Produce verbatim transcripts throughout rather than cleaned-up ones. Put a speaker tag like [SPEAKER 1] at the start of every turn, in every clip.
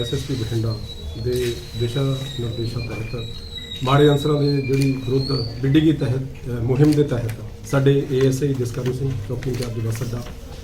[SPEAKER 1] S S P Bathinda ਦੇ ਦਿਸ਼ਾ ਨਿਰਦੇਸ਼ਾਂ ਤਹਿਤ ਮਾੜੇ ਅਨਸਰਾਂ ਦੇ ਜਿਹੜੀ ਵਿਰੁੱਧ ਬਿੱਡੀਗੀ ਤਹਿਤ ਮੁਹਿੰਮ ਦੇ ਤਹਿਤ ਸਾਡੇ A S I Jaskaran Singh ਚੌਕੀ ਇੰਚਾਰਜ ਬੱਸ ਅੱਡਾ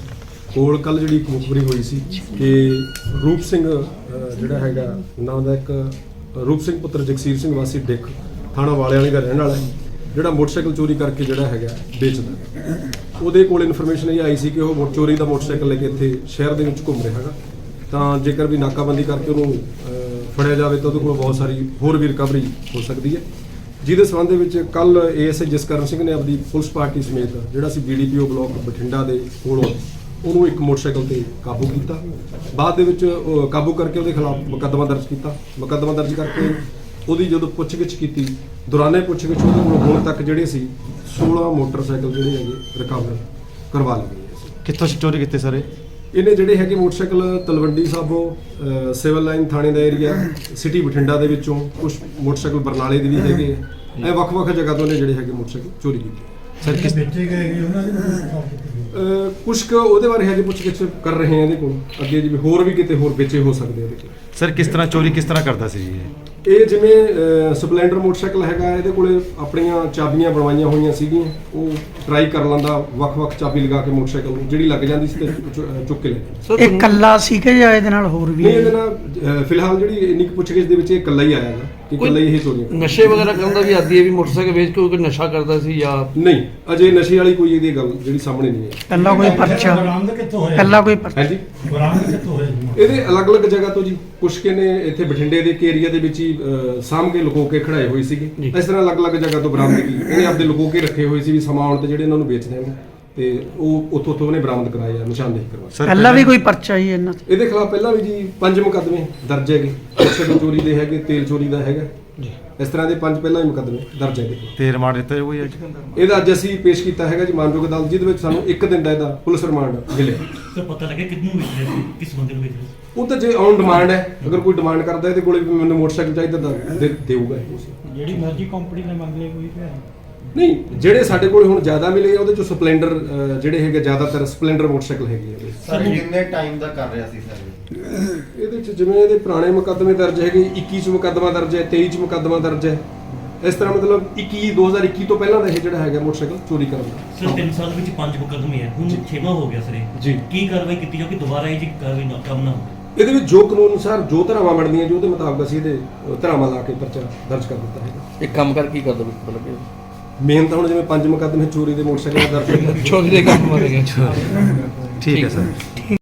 [SPEAKER 1] ਕੋਲ ਕੱਲ੍ਹ ਜਿਹੜੀ ਇੱਕ ਮੁਖਬਰੀ ਹੋਈ ਸੀ ਕਿ ਰੂਪ ਸਿੰਘ ਜਿਹੜਾ ਹੈਗਾ ਨਾਂ ਦਾ ਇੱਕ ਰੂਪ ਸਿੰਘ ਪੁੱਤਰ ਜਗਸੀਰ ਸਿੰਘ ਵਾਸੀ ਡਿੱਖ ਥਾਣਾ ਵਾਲਿਆਂ ਵਾਲੀ ਦਾ ਰਹਿਣ ਵਾਲਾ ਹੈ, ਜਿਹੜਾ ਮੋਟਰਸਾਈਕਲ ਚੋਰੀ ਕਰਕੇ ਜਿਹੜਾ ਹੈਗਾ ਵੇਚਦਾ। ਉਹਦੇ ਕੋਲ ਇਨਫੋਰਮੇਸ਼ਨ ਇਹ ਆਈ ਸੀ ਕਿ ਉਹ ਚੋਰੀ ਦਾ ਮੋਟਰਸਾਈਕਲ ਲੈ ਕੇ ਇੱਥੇ ਸ਼ਹਿਰ ਦੇ ਵਿੱਚ ਘੁੰਮ ਰਿਹਾ ਹੈਗਾ, ਤਾਂ ਜੇਕਰ ਵੀ ਨਾਕਾਬੰਦੀ ਕਰਕੇ ਉਹਨੂੰ ਫੜਿਆ ਜਾਵੇ ਤਾਂ ਉਹਦੇ ਕੋਲ ਬਹੁਤ ਸਾਰੀ ਹੋਰ ਵੀ ਰਿਕਵਰੀ ਹੋ ਸਕਦੀ ਹੈ, ਜਿਹਦੇ ਸੰਬੰਧ ਦੇ ਵਿੱਚ ਕੱਲ A S I Jaskaran Singh ਨੇ ਆਪਣੀ ਪੁਲਿਸ ਪਾਰਟੀ ਸਮੇਤ ਜਿਹੜਾ ਸੀ B D P O block Bathinda ਦੇ ਕੋਲੋਂ ਉਹਨੂੰ ਇੱਕ ਮੋਟਰਸਾਈਕਲ ਤੇ ਕਾਬੂ ਕੀਤਾ। ਬਾਅਦ ਦੇ ਵਿੱਚ ਕਾਬੂ ਕਰਕੇ ਉਹਦੇ ਖਿਲਾਫ ਮੁਕੱਦਮਾ ਦਰਜ ਕੀਤਾ। ਮੁਕੱਦਮਾ ਦਰਜ ਕਰਕੇ ਉਹਦੀ ਜਦੋਂ ਪੁੱਛਗਿੱਛ ਕੀਤੀ, ਦੌਰਾਨੇ ਪੁੱਛਗਿੱਛ ਉਹਦੇ ਕੋਲ ਹੁਣ ਤੱਕ ਜਿਹੜੇ ਸੀ ਸੋਲਾਂ ਮੋਟਰਸਾਈਕਲ ਜਿਹੜੇ ਹੈਗੇ ਰਿਕਵਰ ਕਰਵਾ ਲਏ ਗਏ।
[SPEAKER 2] ਕਿੱਥੋਂ ਚੋਰੀ ਕੀਤੇ ਸਾਰੇ
[SPEAKER 1] ਇਹਨੇ ਜਿਹੜੇ ਹੈਗੇ motorcycle Talwandi Sabo civil line ਥਾਣੇ ਦਾ ਏਰੀਆ ਸਿਟੀ ਬਠਿੰਡਾ ਦੇ ਵਿੱਚੋਂ, ਕੁਝ ਮੋਟਰਸਾਈਕਲ ਬਰਨਾਲੇ ਦੇ ਵੀ ਹੈਗੇ, ਇਹ ਵੱਖ-ਵੱਖ ਜਗ੍ਹਾ ਤੋਂ ਨੇ ਜਿਹੜੇ ਹੈਗੇ ਮੋਟਰਸਾਈਕਲ ਚੋਰੀ ਕੀਤੇ।
[SPEAKER 2] ਸਰ ਕਿਸ
[SPEAKER 3] ਵੇਚੇ ਗਏ ਉਹਨਾਂ ਦੇ
[SPEAKER 1] ਕੁਛ ਕੁ ਉਹਦੇ ਬਾਰੇ ਹਜੇ ਪੁੱਛਗਿੱਛ ਕਰ ਰਹੇ ਹਾਂ ਇਹਦੇ ਕੋਲ, ਅੱਗੇ ਜਿਵੇਂ ਹੋਰ ਵੀ ਕਿਤੇ ਹੋਰ ਵੇਚੇ ਹੋ ਸਕਦੇ ਇਹਦੇ ਕੋਲ।
[SPEAKER 2] ਸਰ ਕਿਸ ਤਰ੍ਹਾਂ ਚੋਰੀ ਕਿਸ ਤਰ੍ਹਾਂ ਕਰਦਾ ਸੀ ਜੀ ਇਹ?
[SPEAKER 1] ਇਹ ਜਿਵੇਂ ਸਪਲੈਂਡਰ ਮੋਟਰਸਾਈਕਲ ਹੈਗਾ, ਇਹਦੇ ਕੋਲੇ ਆਪਣੀਆਂ ਚਾਬੀਆਂ ਬਣਵਾਈਆਂ ਹੋਈਆਂ ਸੀਗੀਆਂ, ਉਹ ਟਰਾਈ ਕਰ ਲੈਂਦਾ ਵੱਖ-ਵੱਖ ਚਾਬੀ ਲਗਾ ਕੇ ਮੋਟਰਸਾਈਕਲ ਨੂੰ, ਜਿਹੜੀ ਲੱਗ ਜਾਂਦੀ ਸੀ ਤੇ ਚੁੱਕ ਕੇ ਲੈ ਜਾਂਦਾ।
[SPEAKER 4] ਇਹ ਇਕੱਲਾ ਸੀ ਕਿ ਜਾਂ ਇਹਦੇ ਨਾਲ ਹੋਰ ਵੀ?
[SPEAKER 1] ਨਹੀਂ, ਇਹਦੇ ਨਾਲ ਫਿਲਹਾਲ ਜਿਹੜੀ ਇੰਨੀ ਕੁ ਪੁੱਛਗਿੱਛ ਦੇ ਵਿੱਚ ਇਹ ਇਕੱਲਾ ਹੀ ਆਇਆ ਹੈਗਾ ਕਿ ਇਕੱਲਾ ਹੀ ਇਹ ਚੋਰੀਆਂ ਕਰਦਾ।
[SPEAKER 5] ਨਸ਼ੇ ਵਗੈਰਾ ਕਰਨ ਦਾ ਵੀ ਆਦੀ ਹੈ ਵੀ ਮੋਟਰਸਾਈਕਲ ਵੇਚ ਕੇ ਕੋਈ ਨਸ਼ਾ ਕਰਦਾ ਸੀ ਜਾਂ
[SPEAKER 1] ਨਹੀਂ, ਅਜੇ ਨਸ਼ੇ ਵਾਲੀ ਕੋਈ ਇਹਦੀ ਗੱਲ ਜਿਹੜੀ ਸਾਹਮਣੇ ਨਹੀਂ ਹੈ।
[SPEAKER 4] ਪਹਿਲਾਂ ਕੋਈ ਪਰਚਾ
[SPEAKER 3] ਬਰਾਮਦ ਕਿੱਥੋਂ ਹੋਇਆ?
[SPEAKER 4] ਪਹਿਲਾਂ ਕੋਈ ਪਰਚਾ?
[SPEAKER 1] ਹਾਂਜੀ,
[SPEAKER 3] ਬਰਾਮਦ ਕਿੱਥੋਂ ਹੋਇਆ ਜੀ?
[SPEAKER 1] ਇਹਦੇ ਅਲੱਗ-ਅਲੱਗ ਜਗ੍ਹਾ ਤੋਂ ਜੀ ਪੁੱਛ ਕੇ ਨੇ ਇੱਥੇ ਬਠਿੰਡੇ ਦੇ ਏਰੀਆ ਦੇ ਵਿੱਚ ਹੀ ਸਾਂਭ ਕੇ ਲੁਕੋ ਕੇ ਖੜਾਏ ਹੋਏ ਸੀਗੇ। ਇਸ ਤਰ੍ਹਾਂ ਅਲੱਗ-ਅਲੱਗ ਜਗ੍ਹਾ ਤੋਂ ਬਰਾਮਦਗੀ ਇਹਨੇ ਆਪਦੇ ਲੁਕੋ ਕੇ ਰੱਖੇ ਹੋਏ ਸੀ ਵੀ ਸਮਾਂ ਆਉਣ ਤੇ ਜਿਹੜੇ ਇਹਨਾਂ ਨੂੰ ਵੇਚਦੇ ਨੇ, ਤੇ ਉਹ ਉੱਥੋਂ ਉੱਥੋਂ ਉਹਨੇ ਬਰਾਮਦ ਕਰਾਏ ਆ, ਨਿਸ਼ਾਨਦੇਹੀ ਕਰਵਾਈ।
[SPEAKER 4] ਪਹਿਲਾਂ ਵੀ ਕੋਈ ਪਰਚਾ ਹੀ ਇਹਨਾਂ ਤੇ?
[SPEAKER 1] ਇਹਦੇ ਖਿਲਾਫ ਪਹਿਲਾਂ ਵੀ ਜੀ ਪੰਜ ਮੁਕੱਦਮੇ ਦਰਜ ਹੈਗੇ, ਮੋਟਰਸਾਈਕਲ ਚੋਰੀ ਦੇ ਹੈਗੇ, ਤੇਲ ਚੋਰੀ ਦਾ ਹੈਗਾ, ਇਸ ਤਰ੍ਹਾਂ ਦੇ ਪੰਜ ਪਹਿਲਾਂ ਹੀ ਮੁਕੱਦਮੇ ਦਰਜ ਹੈਗੇ।
[SPEAKER 2] ਤੇ ਰਿਮਾਂਡ ਦਿੱਤਾ ਹੋਈ ਹੈ?
[SPEAKER 1] ਇਹਦਾ ਅੱਜ ਅਸੀਂ ਪੇਸ਼ ਕੀਤਾ ਹੈਗਾ ਜੀ ਮਾਨਯੋਗ ਅਦਾਲਤ, ਜਿਹਦੇ ਵਿੱਚ ਸਾਨੂੰ ਇੱਕ ਦਿਨ ਦਾ ਇਹਦਾ ਪੁਲਿਸ ਰਿਮਾਂਡ ਮਿਲਿਆ।
[SPEAKER 6] ਸਰ ਪਤਾ ਲੱਗਿਆ ਕਿੰਨੂੰ ਵੇਚ ਰਹੇ ਸੀ, ਕਿਸ ਬੰਦੇ ਨੂੰ ਵੇਚ ਰਹੇ ਸੀ?
[SPEAKER 1] ਉਹ ਤਾਂ ਜੇ ਔਨ ਡਿਮਾਂਡ ਹੈ, ਅਗਰ ਕੋਈ ਡਿਮਾਂਡ ਕਰਦਾ ਇਹਦੇ ਕੋਲੇ ਵੀ ਮੈਨੂੰ ਮੋਟਰਸਾਈਕਲ ਚਾਹੀਦਾ ਤਾਂ ਦੇ- ਦੇਊਗਾ ਇਹ।
[SPEAKER 3] ਜਿਹੜੀ ਮਰਜ਼ੀ ਕੰਪਨੀ ਨੇ ਮੰਗ ਲਈ ਕੋਈ ਭੈਣ
[SPEAKER 1] ਨਹੀਂ, ਜਿਹੜੇ ਸਾਡੇ ਕੋਲ ਹੁਣ ਜ਼ਿਆਦਾ ਮਿਲੇ ਉਹਦੇ ਚੋਂ ਸਪਲੈਂਡਰ ਜਿਹੜੇ ਹੈਗੇ ਜ਼ਿਆਦਾਤਰ ਸਪਲੈਂਡਰ ਮੋਟਰਸਾਈਕਲ ਹੈਗੇ ਆ।
[SPEAKER 7] ਸਰ ਕਿੰਨੇ ਟਾਈਮ ਦਾ ਕਰ ਰਿਹਾ ਸੀ ਸਰ?
[SPEAKER 1] ਇਹਦੇ ਚ ਜਿਵੇਂ ਇਹਦੇ ਪੁਰਾਣੇ ਮੁਕੱਦਮੇ ਦਰਜ ਹੈਗੇ, ਇੱਕੀ ਚ ਮੁਕੱਦਮਾ ਦਰਜ ਹੈ, ਤੇਈ ਚ ਮੁਕੱਦਮਾ ਦਰਜ ਹੈ, ਇਸ ਤਰ੍ਹਾਂ ਮਤਲਬ ਇੱਕੀ ਦੋ ਹਜ਼ਾਰ ਇੱਕੀ ਤੋਂ ਪਹਿਲਾਂ ਦਾ ਇਹ ਜਿਹੜਾ ਹੈਗਾ ਮੋਟਰਸਾਈਕਲ ਚੋਰੀ ਕਰਨ ਦਾ।
[SPEAKER 6] ਸਰ ਤਿੰਨ ਸਾਲ ਵਿੱਚ ਪੰਜ ਮੁਕੱਦਮੇ ਹੈ, ਹੁਣ ਛੇਵਾਂ ਹੋ ਗਿਆ ਸਰ ਇਹ।
[SPEAKER 1] ਜੀ।
[SPEAKER 6] ਕੀ ਕਾਰਵਾਈ ਕੀਤੀ ਜਾਊਗੀ ਦੁਬਾਰਾ ਇਹ ਜੀ ਕਾਰਵਾਈ ਨਾ ਕੰਮ ਨਾ ਹੋਵੇ?
[SPEAKER 1] ਇਹਦੇ ਵਿੱਚ ਜੋ ਕਾਨੂੰਨ ਅਨੁਸਾਰ ਜੋ ਧਾਰਾਵਾਂ ਬਣਦੀਆਂ ਜੋ ਉਹਦੇ ਮੁਤਾਬਕ ਅਸੀਂ ਇਹਦੇ ਅ, ਧਾਰਾਵਾਂ ਲਾ ਕੇ ਪਰਚਾ ਦਰਜ ਕਰ ਦਿੱਤਾ ਹੈਗਾ।
[SPEAKER 5] ਇੱਕ ਕੰਮ ਕਰ ਕੀ ਕਰਦਾ ਮਤਲਬ
[SPEAKER 1] ਮੇਨ ਤਾਂ ਹੁਣ ਜਿਵੇਂ ਪੰਜ ਮੁਕੱਦਮੇ ਚੋਰੀ ਦੇ ਮੋਟਰਸਾਈਕਲ ਦਰਜ ਹੋਏ,
[SPEAKER 5] ਚੋਰੀ ਦੇ ਕੰਮ ਮਾਰੇ ਗਏ।
[SPEAKER 2] ਠੀਕ ਹੈ ਸਰ।